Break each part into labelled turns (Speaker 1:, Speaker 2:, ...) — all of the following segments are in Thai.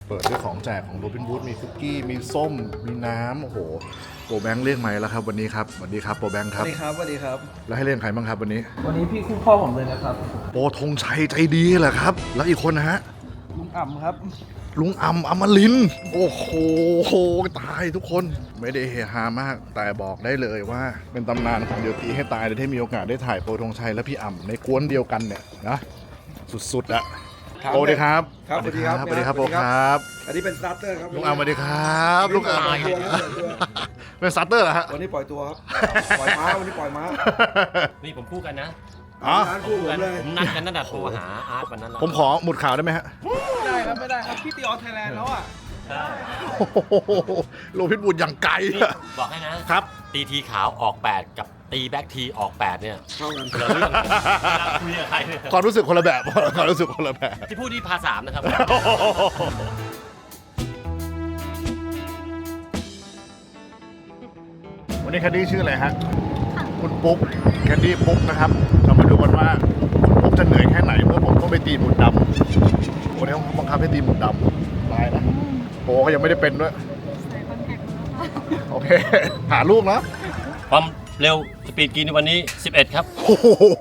Speaker 1: เปิดด้วยของแจกของโรบินวูดมีคุกกี้มีส้มมีน้ำโอ้โหโปรแบงค์เรียกไหมแล้วครับวันนี้ครับสวัสดีครับโปรแบงค์ครับ
Speaker 2: สวัสดีครับสวัสดีครับ
Speaker 1: แล้วให้เล่นใครบ้างครับวันนี้
Speaker 2: วันนี้พี่คู่พ่อผมเลยนะครับ
Speaker 1: โปรธงชัยใจดีเหรอครับแล้วอีกคนนะฮะ
Speaker 2: ลุงอ่ำครับ
Speaker 1: ลุงอมรินทร์โอ้โหตายทุกคนไม่ได้เฮฮามากแต่บอกได้เลยว่าเป็นตำนานของเดียวตีให้ตายเลยที่มีโอกาสได้ถ่ายโปรธงชัยและพี่อ่ำในกวนเดียวกันเนี่ยนะสุดๆอะโปรดีครับ
Speaker 2: ครับสวัสดีครับ
Speaker 1: สวัสดีครับโปรครับ
Speaker 2: อันนี้เป็นสตาร์เตอร์ครับ
Speaker 1: ลุงอมสวัสดีครับลุงอมเป็นสตาร์เตอร์เหรอฮะ
Speaker 2: วันนี้ปล่อยตัวครับ ปล่อยม้าวันนี้ปล่อยม้า
Speaker 3: นี่ผมคู่กันนะ
Speaker 1: อ๋อ
Speaker 2: ร้านคู่ผมเลย
Speaker 3: ผมนัดกันตั้งแต่โทรหาอาร์ตวันนั้นแล้ว
Speaker 1: ผมขอหมุดข่าวได้ไหมฮะ
Speaker 2: ไม่ได้ครับไม่ได้ครับพี่ตีออสไทยแลนด์แล้วอ่ะ
Speaker 3: ใช่
Speaker 1: โลพิษบุญอย่างไกล
Speaker 3: นี่
Speaker 1: อะ
Speaker 3: บอกให้นะครับ ตีทีขาวออก 8 กับตีแบ็กทีออก 8 เนี่ย
Speaker 2: เข้ากัน
Speaker 3: เหลือเรื่องเวลาคุยกับใครเนี่ย
Speaker 1: ความรู้สึกคนละแบบความรู้สึกคนละแบบ
Speaker 3: ที่พูดที่พา3นะครับ
Speaker 1: วันนี้แคดดี้ชื่ออะไรฮะคุณปุ๊กแคดดี้ปุ๊กนะครับเรามาดูกันว่าคุณปุ๊กจะเหนื่อยแค่ไหนเมื่อผมต้องไปตีหมุดดำวันนี้ต้องบังคับให้ตีหมุดดำตายนะโปก็ยังไม่ได้เป็นด้วยโอเคหาลูกนะ
Speaker 3: ความเร็วสปีดกินในวันนี้ 11 ครับ
Speaker 1: โอ้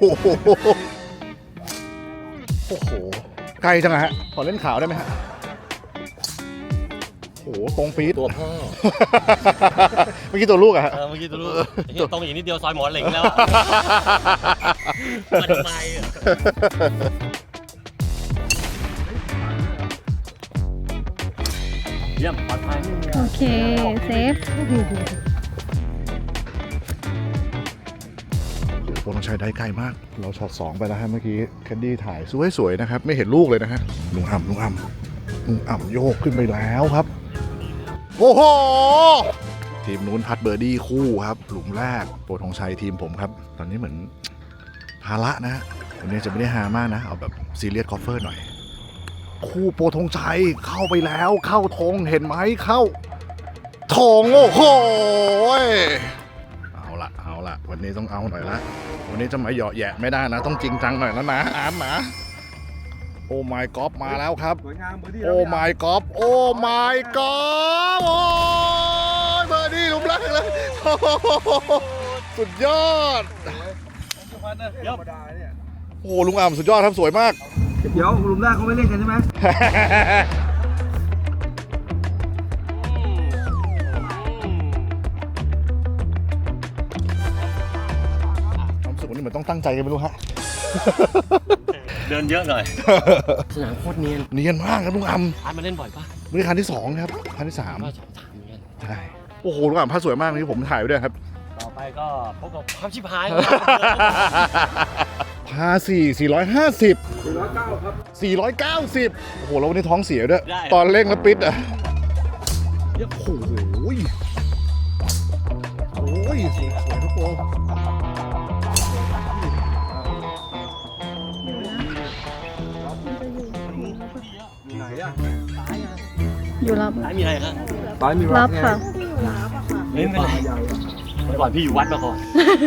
Speaker 1: โหไกลจังอะฮะขอเล่นข่าวได้ไหมฮะโอ้โหตรงปี๊ด
Speaker 3: ตัวพ่อ
Speaker 1: เมื่อกี้ตัวลูกอะฮะ
Speaker 3: เมื่อกี้ตัวรู้ตรงอีกนิดเดียวซอยหมอนเหล็งแล้วมันไปอะเยี่ยมปลอดภัย
Speaker 4: โอเค เซฟ
Speaker 1: โปรต้องใช้ได้ไกลมาก เราช็อต2ไปแล้วฮะเมื่อกี้แคนดี้ถ่ายสวยๆนะครับ ไม่เห็นลูกเลยนะฮะลุงอ่ำโยกขึ้นไปแล้วครับ โอ้โห ทีมนู้นพัดเบอร์ดี้คู่ครับ หลุมแรกโปรธงชัยทีมผมครับ ตอนนี้เหมือนภาระนะฮะวันนี้จะไม่ได้ฮามากนะ เอาแบบซีเรียสคอฟเฟอร์หน่อย คู่โปรธงชัยเข้าไปแล้วเข้าธงเห็นไหมเข้าธงโอ้โห เอาละวันนี้ต้องเอาหน่อยละวันนี้จะมาเหยาะแยะไม่ได้นะ ต้องจริงจังหน่อยแล้วนะอาร์มนะโอ้ my god มาแล้วครับ
Speaker 2: สวยงามเบอร์ดี้
Speaker 1: โอ้ my god โอ้ my god โอ้ยเบอร์ดี้หลุมแรกเลยโอ้โหสุดยอด
Speaker 2: ธรรมดาเนี่ย
Speaker 1: โอ้ลุงอ่ำสุดยอดครับสวยมาก
Speaker 2: เดี๋ยวกลุ่มแรกเขาไม่เล่นกันใช่ไหม
Speaker 1: ความรู้สึกวันนี้เหมือนต้องตั้งใจกันไม่รู้ฮะ
Speaker 3: เดินเยอะหน่อย สนามโคตรเนียน
Speaker 1: เนียนมากครับลุงอ่
Speaker 3: อาร์ตมาเล่นบ่อยปะ
Speaker 1: ำนี่คันที่2ครับคันที่3
Speaker 3: ก็2-3เหมือนกัน
Speaker 1: ใช่โอ้โหลุงอ่ำภาพสวยมากนี่ผมถ่ายไว้ด้วยครับ
Speaker 3: ต่อไปก็พบกับความชิบหาย
Speaker 1: พา450
Speaker 2: 409ครับ
Speaker 1: 490 โอ้โหแล้ววันนี้ท้องเสียด้วย ตอนเร่งแล้วปิดอ่ะโอ้โหโอ้ยสวยทุกคน
Speaker 2: อยู่ไหนอ่ะ
Speaker 4: อยู่รับ
Speaker 3: ซ้ายมีอะไรครับ
Speaker 2: ซ้ายมี
Speaker 4: รับค่ะ
Speaker 3: เฮ้ยไม่เป็นไรเมื่อก่อนพี่อยู่วัดมาก่อน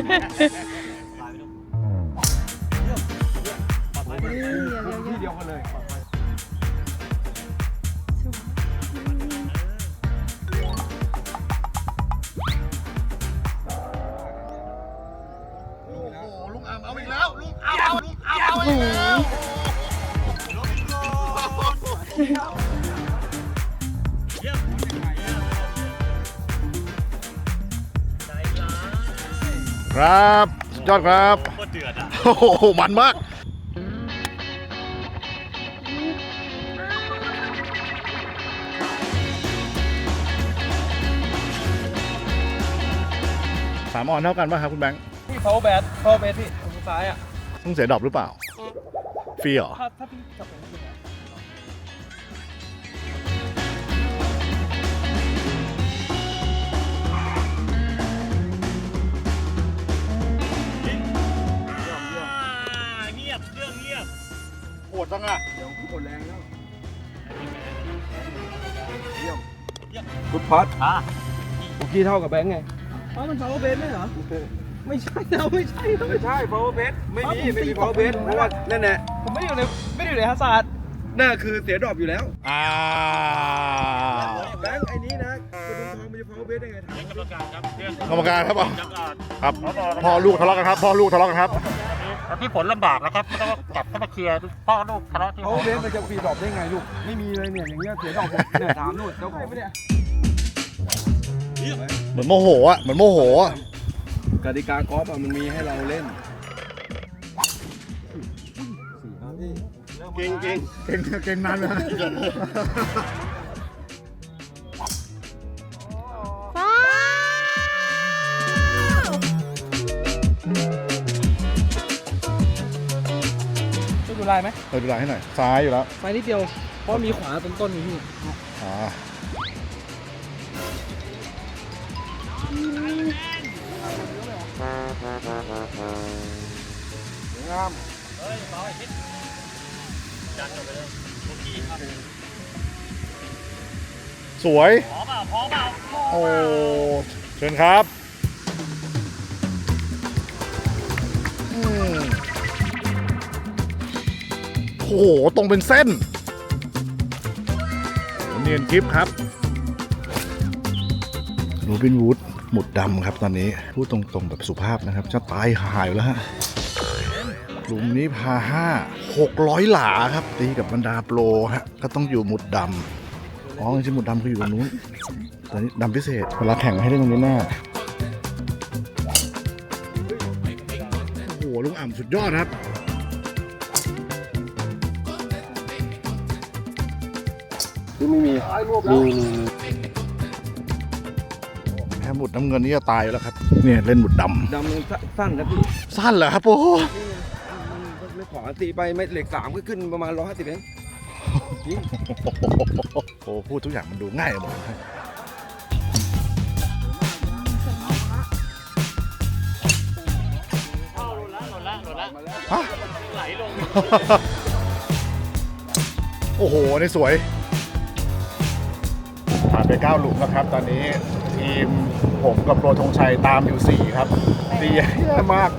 Speaker 2: ที่เดียวกันเลย
Speaker 1: โอ้โหลุงอ่ำเอาอีกแล้วลุงอ่ำเอาอีกแล้วครับสุดยอดครับ
Speaker 3: โคตรเดือดอ่ะ
Speaker 1: โอ้โหมันมาก3 ออนเท่ากันป่ะครับคุณแบงค์
Speaker 2: พี่เขาแบทพี่ตรงซ้ายอ่ะ
Speaker 1: ต้องเสียดรอปหรือเปล่าฟรีเหรอ
Speaker 2: ถ้าพี่จับผมจริงอ่ะ
Speaker 3: เงียบเรื่องเงียบ
Speaker 1: โหดจังอ่ะ
Speaker 2: เดี๋ยวพี่กดแรงแล้วเยี่ยมกุดพัด
Speaker 3: อ่ะ
Speaker 2: บุกี้เท่ากับแบงค์ไงเพราะมัน power base ไม่เหรอ ไม่ใช่เราไม่ใช่ power base ไม่มี power base เพราะว่านั่นแหละผมไม่ได้อยู่ในฮัสซัดน่าคือเสียดรอปอยู่แล้ว
Speaker 1: อ้าว
Speaker 2: เบสได้ไง
Speaker 3: เป็นกรรมการครับเรื่อง
Speaker 1: กรรมการครับ
Speaker 3: กรรมการ
Speaker 1: ครับพ่อลูกทะเลาะกันครับพ่อลูกทะเลาะกันครับ
Speaker 3: แล้วที่ผลลำบากนะครับต้องกลับเข้ามาเคลียร์พ่อลูกทะเลาะที่
Speaker 2: เขาเบสมันจะฟรีดรอปได้ไงลูกไม่มีเลยเนี่ยอย่างเงี้ยเสียดอกเนี่ยถามนู่นเจ้าของไม่ได้
Speaker 1: เหมือนโมโหอ่ะเหมือนโมโหอ่ะ
Speaker 2: กติกากอล์ฟมันมีให้เราเล่น
Speaker 3: เก่ง
Speaker 1: เก่งนานเลย
Speaker 4: ฟ้าว
Speaker 2: ดูลายไหม
Speaker 1: เปิดดูหลังให้หน่อยซ้ายอยู่แล้ว
Speaker 2: ไปนิดเดียวเพราะมีขวาต้นๆนี่พี่
Speaker 1: อ่า
Speaker 2: งาม
Speaker 1: สวย
Speaker 3: พอเปล่า
Speaker 1: โอ้เชิญครับอืมโอ้โหตรงเป็นเส้นโอ้เนียนกิฟครับโรบินวูดหมุดดำครับตอนนี้พูดตรงๆแบบสุภาพนะครับจะตายหายอยู่แล้วฮะหลุมนี้พา600 หลาครับตีกับบรรดาโปรฮะก็ต้องอยู่หมุดดำอ๋อจริงๆหมุดดำคืออยู่ตรงนู้นแต่นี่ดำพิเศษเวลาแข่งให้เล่นตรงนี้แน่โอ้โหลุงอ่ำสุดยอดครับ
Speaker 2: คือไม่มี
Speaker 1: แค่หมุดน้ำเงินนี่จะตายอยู่แล้วครับเนี่ยเล่นหมุดด
Speaker 2: ดำมันสั้นนะพี่
Speaker 1: ำสั้นเหรอครับโอ้โห
Speaker 2: ไม่ขวาตีไปไม่เหล็ก3ก็ขึ้นประมาณ150เอง
Speaker 1: โอ้พูดทุกอย่างมันดูง่ายหมดเลย
Speaker 3: หล่นละ
Speaker 1: ฮะ
Speaker 3: ไหลลง
Speaker 1: โอ้โหนี่สวยผ่านไป9หลุมแล้วครับ ตอนนี้ทีมผมกับโปรธงชัยตามอยู่4ครับตีแย่มาก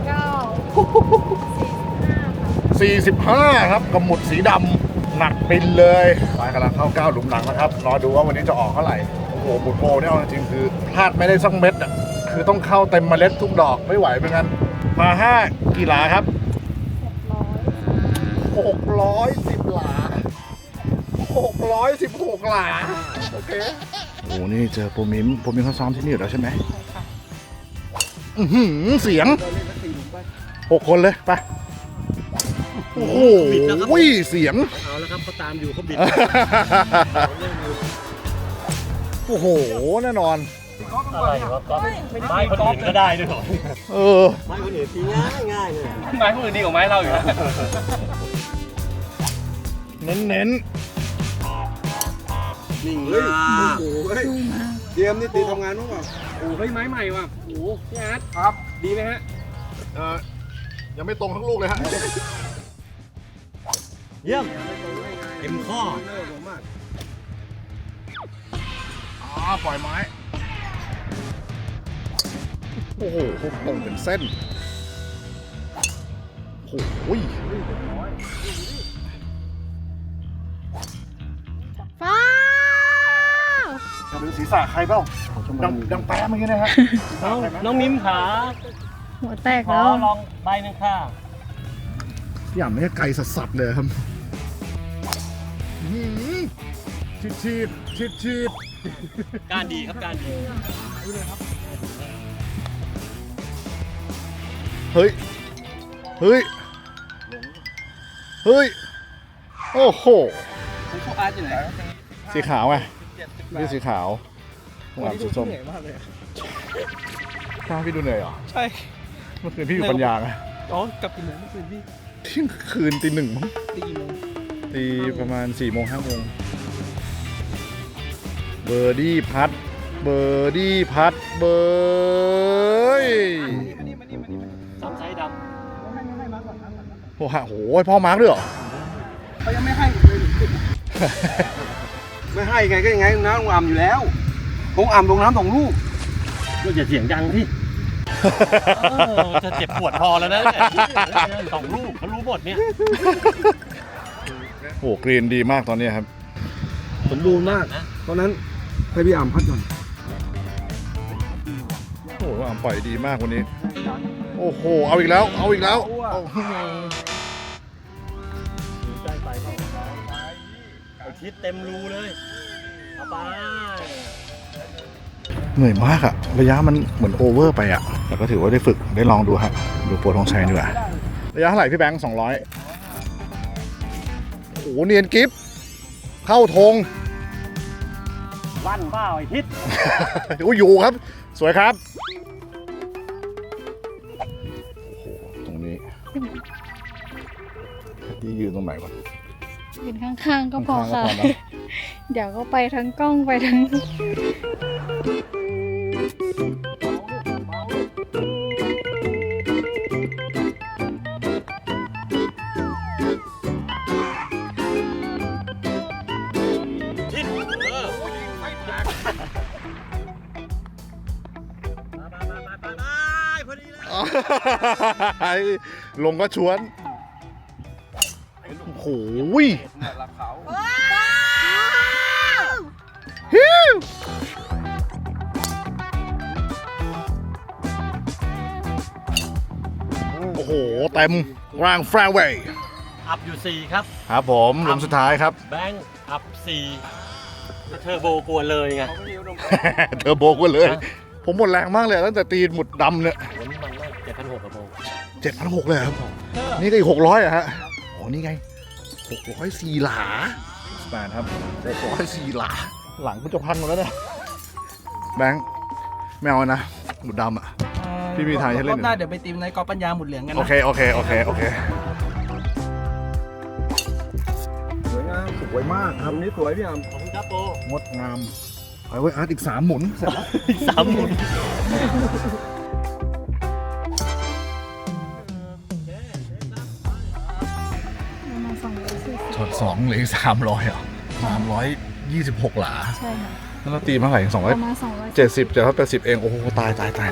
Speaker 1: 45 ครับกับหมุดสีดำหนักปินเลยไปกำลังเข้า9หลุมหลังแล้วครับรอดูว่าวันนี้จะออกเท่าไหร่โอ้โหหมุดโปรเนี่ยเอาจริงๆคือพลาดไม่ได้สักเม็ดอ่ะคือต้องเข้าเต็มเมล็ดทุกดอกไม่ไหวเหมือนกันมา5กี่หลาครับ610 หลา616 หลาโอเคโอ้นี่เจอโปรมิมเขาซ้อมที่นี่อยู่แล้วใช่ไหมอื้อหือเสียง6 คนเลยไปโอ้โหเสียง
Speaker 3: เอาแล้วครับเขาตามอยู่เขาบิด
Speaker 1: โอ้โหแน่นอน
Speaker 3: อะไรวะก็ไม้คนอื่นก็ได้ด้วยเหรอ
Speaker 1: เออ
Speaker 3: ไม้คนอื่นตีง่ายเลย
Speaker 2: ไม้คนอื่นดีกว่าไม้เราอยู่แล้ว
Speaker 1: เน้น
Speaker 3: นิ่ง
Speaker 2: เฮ้ย
Speaker 3: มาก
Speaker 2: โอ้โหเฮ้ยเจมส์นี่ตีทำงานมั้งเปล่าโอ้เฮ้ยไม้ใหม่ว่ะโอ้พี่อาร์ตครับ ดีไหมฮะ
Speaker 1: ยังไม่ตรงทั้งลูกเลยฮะ
Speaker 3: เยี่ยมเต็มข้อ
Speaker 1: ปล่อยไม้ โอ้โหตรงเป็นเส้น โอ้โห
Speaker 4: ฟ้าว
Speaker 1: หรือศีรษะใครเปล่าดังแป๊ะเมื่อกี้นะฮะ
Speaker 3: น้องมิ้มขา
Speaker 4: หัวแตก
Speaker 3: ขอ
Speaker 4: แล้ว
Speaker 3: ลองใบหนึ่งค่ะ
Speaker 1: พี่อ่ำนี่ไกลสัสๆเลยครับฉีด
Speaker 3: การดีครับการดี
Speaker 1: เฮ้ย โอ้โห
Speaker 2: คุณพวกอาร์ตอยู่ไหน
Speaker 1: สีขาวไงนี่สีขาวหัวสีส้ม
Speaker 2: เหนื่อยมากเลย
Speaker 1: ข้าพี่ดูเหนื่อยเหรอ
Speaker 2: ใช่
Speaker 1: เมื่อคืนพี่อยู่ปัญญาไง
Speaker 2: อ๋อกลับกี่โมงเมื่อคืนพี่
Speaker 1: เที่ยงคืนตี 1มั้ง
Speaker 2: ตีกี่โมง
Speaker 1: ตีประมาณ4 โมง 5 โมงเบอร์ดี้พัดเบอร์
Speaker 3: สามไซส์ด
Speaker 1: โอ้โหพ่อมาร์กด้วยเหรอ
Speaker 2: เขายังไม่ให้เลยไม่ให้ไงก็ยังไงน้ำลงอ่ำอยู่แล้วคงอ่ำลงน้ำ2 ลูก
Speaker 3: ำก็อย่าเสียงดังพี่จะเจ็บปวดพอแล้วนะ2 ลูกเขารู้หมดเนี่ย
Speaker 1: โอ้กรีนดีมากตอนนี้ครับ
Speaker 2: สมบูรณ์มากเพราะนั้นให้พี่อ่ำพัดก่อน
Speaker 1: ว่าปล่อยดีมากวันนี้ โอ้โห เอาอีกแล้ว เอาอีกแล้วโอ้โห
Speaker 3: ใกล้ไปเข้าเอาทิศเต็มรูเลยเอาไป
Speaker 1: เหนื่อยมากอะระยะมันเหมือนโอเวอร์ไปอะแต่ก็ถือว่าได้ฝึกได้ลองดูฮะดูโปรธงชัยดีกว่าระยะเท่าไหร่พี่แบงค์200โอ้โหเนียนกิฟเข้าธง
Speaker 3: ลั่นเปล่าไอ้ทิศ
Speaker 1: อุ้ยอยู่ครับ สวยครับโอ้โหตรงนี้ที่ยืนตรงไหนวะ
Speaker 4: ยืนข้างๆก็พอ
Speaker 1: ข้างๆก็
Speaker 4: ค่ะ
Speaker 1: พอนะ
Speaker 4: เดี๋ยวก็ไปทั้งกล้องไปทั้ง
Speaker 3: ทิศไปพอดีเลย
Speaker 1: ลงก็ชวนโอ้โห
Speaker 2: หลักเขา
Speaker 1: ฮิวโอ้โห เต็มกลางแฟร์เวย์
Speaker 3: อัพอยู่ 4 ครับ
Speaker 1: ครับผมลมสุดท้ายครับ
Speaker 3: แบงค์อัพ 4เทอร์โบกลัวเลยไง
Speaker 2: เขาไม่มีอุดม
Speaker 1: เธอโบกกันเลย ผมหมดแรงมากเลยตั้งแต่ตีนหมุดดำเนี่ย
Speaker 3: วันนี้มันมาก7,600กับโบ
Speaker 1: 7,600เลยครับ นี่ก็อีก600อะฮะโอ้นี่ไง604หลาสแปนครับ604หลา หลังกูจะพันหมดแล้วเนี่ยแบงค์ไม่เอานะหมุดดำอะ พี่มีทางให้เล่นอยู่
Speaker 2: รอบหน้าเดี๋ยวไปตีมในกอล์ฟปัญญาหมุดเหลืองกัน
Speaker 1: โอ
Speaker 2: นะ
Speaker 1: เค
Speaker 2: สวยงามสวยมากครับนี้สวยพี่อ่ะ
Speaker 3: ขอบคุณครับโบ
Speaker 1: งดงามไปไว้อาร์ตอีก3หมุนเสร็จแล้ว
Speaker 3: อีก3 หมุน
Speaker 4: ประมาณ240
Speaker 1: ช็อต2เหลืออีก300อ่ะ326หลา
Speaker 4: ใช่ค่ะ
Speaker 1: แล้วเราตีมาเท่าไหร่200
Speaker 4: ประมาณ
Speaker 1: 70 780เองโอ้โหตาย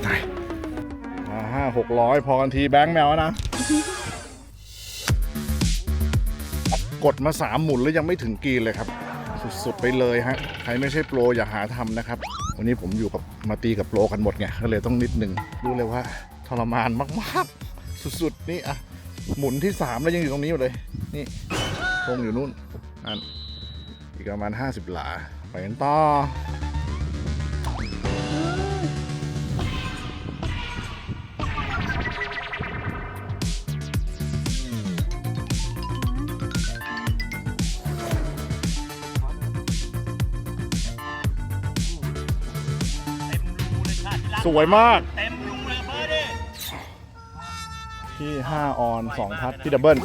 Speaker 1: มา500-600พอกันทีแบงค์แมวนะ กดมา3หมุนแล้วยังไม่ถึงกรีนเลยครับ สุดๆไปเลยฮะใครไม่ใช่โปรอย่าหาทำนะครับ วันนี้ผมอยู่กับมาตีกับโปรกันหมดไงก็เลยต้องนิดนึงรู้เลยว่าทรมานมากๆสุดๆนี่อะหมุนที่3แล้วยังอยู่ตรงนี้อยู่เลยนี่ธงอยู่นู่นนั่นอีกประมาณ50หลาไปกันต่อ สวยมาก
Speaker 3: เต็มรูเลยเบอร์ดิ
Speaker 1: ที่5ออน2พัดที่ดับเบิล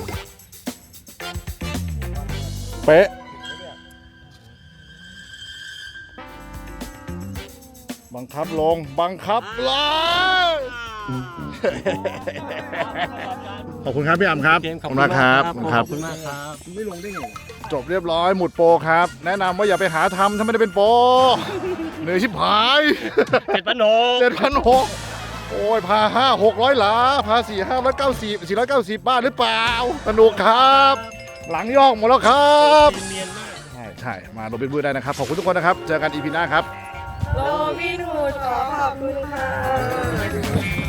Speaker 1: เป๊ะบังคับลงบังคับลงขอบคุณครับพี่อ่ำครับ
Speaker 3: ขอบคุณมากครับขอบคุณมากครับ
Speaker 2: ไม่ลงได้ไง
Speaker 1: จบเรียบร้อยหมุดโปรครับ แนะนำว่าอย่าไปหาทำถ้าไม่ได้เป็นโปรเหนื่อยชิบหาย 7,600โอ้ยพา5-600หลาพา490บ้านหรือเปล่าสนุกครับ หลังยอกหมดแล้วครับ
Speaker 3: เนียนมาก
Speaker 1: ใช่มาโรบินบูดได้นะครับ ขอบคุณทุกคนนะครับ เจอกันอีพีหน้าครับ
Speaker 5: โรบินฮูดขอขอบคุณค่ะ